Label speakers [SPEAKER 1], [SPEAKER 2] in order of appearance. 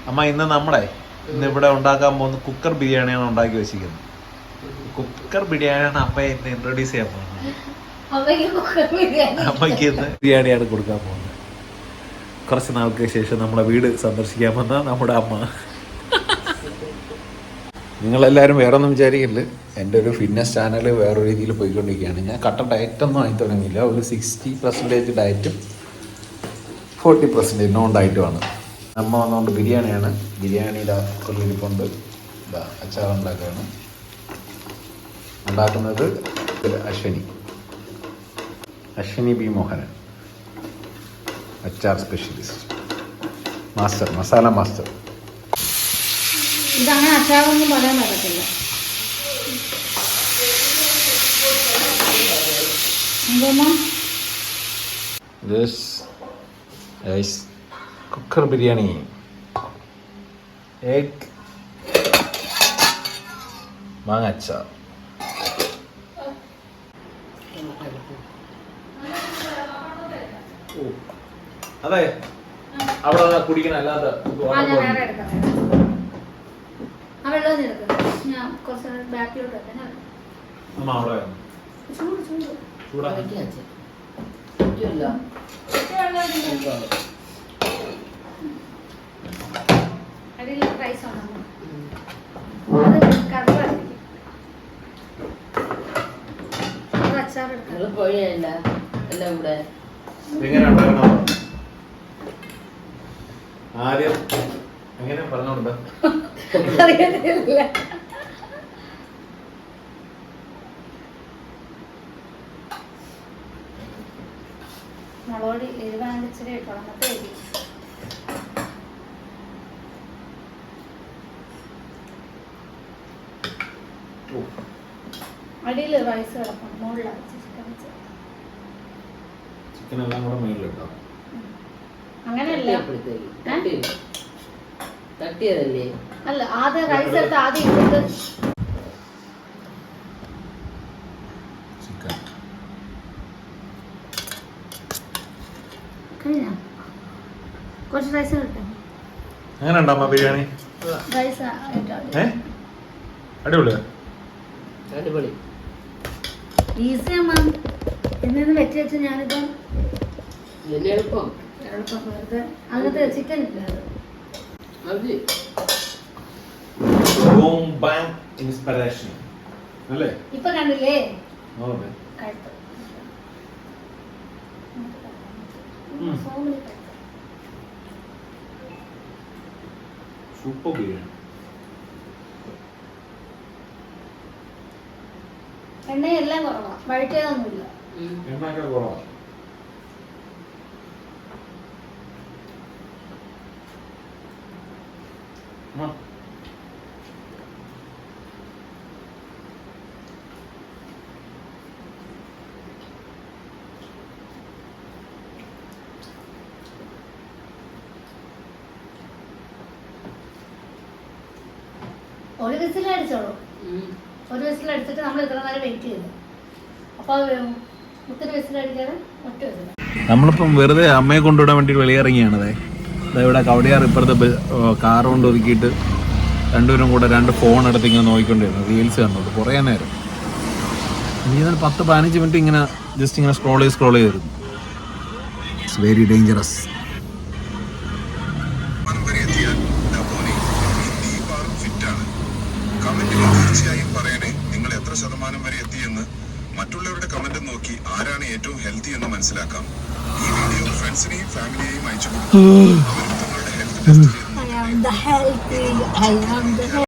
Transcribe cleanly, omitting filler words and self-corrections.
[SPEAKER 1] അമ്മ ഇന്ന് ഇവിടെ ഉണ്ടാക്കാൻ പോകുന്ന കുക്കർ ബിരിയാണിയാണ് ഉണ്ടാക്കി വെച്ചിരിക്കുന്നത്. കുക്കർ ബിരിയാണിയാണ് അമ്മയെ ഇന്ന് ഇൻട്രൊഡ്യൂസ് ചെയ്യാൻ പോകുന്നത്. അമ്മയ്ക്ക് ഇന്ന് ബിരിയാണിയാണ് കൊടുക്കാൻ പോകുന്നത്. കുറച്ച് നാൾക്ക് ശേഷം നമ്മുടെ വീട് സന്ദർശിക്കാൻ വന്ന നമ്മുടെ അമ്മ. നിങ്ങളെല്ലാവരും വേറെ ഒന്നും വിചാരിക്കില്ല, എൻ്റെ ഒരു ഫിറ്റ്നസ് ചാനൽ വേറെ രീതിയിൽ പോയിക്കൊണ്ടിരിക്കുകയാണ്. ഞാൻ കട്ട ഡയറ്റൊന്നും ആയി തുടങ്ങിയില്ല. ഒരു 60% ഡയറ്റും 40% നോൺ ഡയറ്റുമാണ്. അമ്മ വന്നുകൊണ്ട് ബിരിയാണിയാണ്. ബിരിയാണിയുടെ കൊള്ളിരിപ്പുണ്ട്. അച്ചാറുണ്ടാക്കുകയാണ്. ഉണ്ടാക്കുന്നത് അശ്വിനി ബി മോഹനൻ, അച്ചാർ സ്പെഷ്യലിസ്റ്റ്, മാസ്റ്റർ, മസാല മാസ്റ്റർ.
[SPEAKER 2] ഇതങ്ങനെ അച്ചാറൊന്നും പറയാൻ പറ്റത്തില്ല.
[SPEAKER 1] കുക്കർ ബിരിയാണി, എഗ് മാങ്ങ അച്ചാർ. അതെ, അവിടെ കുടിക്കണ അല്ലാതെ ആദ്യം എങ്ങനെ പറഞ്ഞോണ്ട്
[SPEAKER 2] മുളക് എരിവാണിച്ചിരി കുളമത്തെ എരി. അടിയിൽ റൈസ് കിടക്കും, മുകളിലാണ്
[SPEAKER 1] ചിക്കൻ എല്ലാം കൂടെ മേളിലിട്ടോ.
[SPEAKER 2] അങ്ങനെയല്ല,
[SPEAKER 3] തട്ടിയതല്ലേ?
[SPEAKER 2] അല്ല, ആദ്യം റൈസ് എടുത്ത് ആദ്യം ഇട്ടിട്ട് കുറച്ച് റൈസ് കിട്ടും.
[SPEAKER 1] അങ്ങനെ ഉണ്ടോ ബിരിയാണി?
[SPEAKER 2] റൈസ്
[SPEAKER 1] അടിപൊളിയാ,
[SPEAKER 3] അടിപൊളി,
[SPEAKER 2] ഈസിയാ മാം. ഇന്ന് വെച്ച് വെച്ച് ഞാനിപ്പം
[SPEAKER 3] എളുപ്പം
[SPEAKER 2] വെറുതെ അങ്ങനത്തെ ചിക്കൻ ഇല്ല.
[SPEAKER 1] ഇൻസ്പിറേഷൻ അല്ലേ?
[SPEAKER 2] ഇപ്പൊ കണ്ടില്ലേ
[SPEAKER 1] സൂപ്പർ ബിരിയാണി.
[SPEAKER 2] എണ്ണയെല്ലാം കുറവാ, വഴറ്റിയതൊന്നുമില്ല.
[SPEAKER 1] എണ്ണയൊക്കെ കുറവാ.
[SPEAKER 2] ഒരു വിസിലടിച്ചോളൂ. ഒരു വിസിലടിച്ചിട്ട് നമ്മൾ ഇത്ര നേരം വെയിറ്റ് ചെയ്തു. അപ്പൊ അത് ഒത്തിരി വിസിലടിക്കാതെ ഒറ്റ വിസിൽ.
[SPEAKER 1] നമ്മളിപ്പം വെറുതെ അമ്മയെ കൊണ്ടുവിടാൻ വേണ്ടി വെളിയിറങ്ങിയാണതേ. ഇവിടെ കവടിയാർ ഇപ്പുറത്തെ കാർ കൊണ്ട് ഒതുക്കിയിട്ട് രണ്ടുപേരും കൂടെ 2 ഫോൺ എടുത്ത് ഇങ്ങനെ നോക്കിക്കൊണ്ടിരുന്നു. റീൽസ് കണ്ടോളൂ കുറേ നേരം. ഇനി 10-15 മിനിറ്റ് ഇങ്ങനെ ജസ്റ്റ് ഇങ്ങനെ സ്ക്രോൾ ചെയ്തിരുന്നു. It's very dangerous.
[SPEAKER 4] തീർച്ചയായും പറയണേ, നിങ്ങൾ എത്ര ശതമാനം വരെ എത്തിയെന്ന്. മറ്റുള്ളവരുടെ കമന്റ് നോക്കി ആരാണ് ഏറ്റവും ഹെൽത്തി എന്ന് മനസ്സിലാക്കാം. ഈ വീഡിയോ ഫ്രണ്ട്സിനെയും ഫാമിലിയെയും അയച്ചു കൊടുക്കും. അവരും തങ്ങളുടെ ഹെൽത്ത് ടെസ്റ്റ് ചെയ്ത്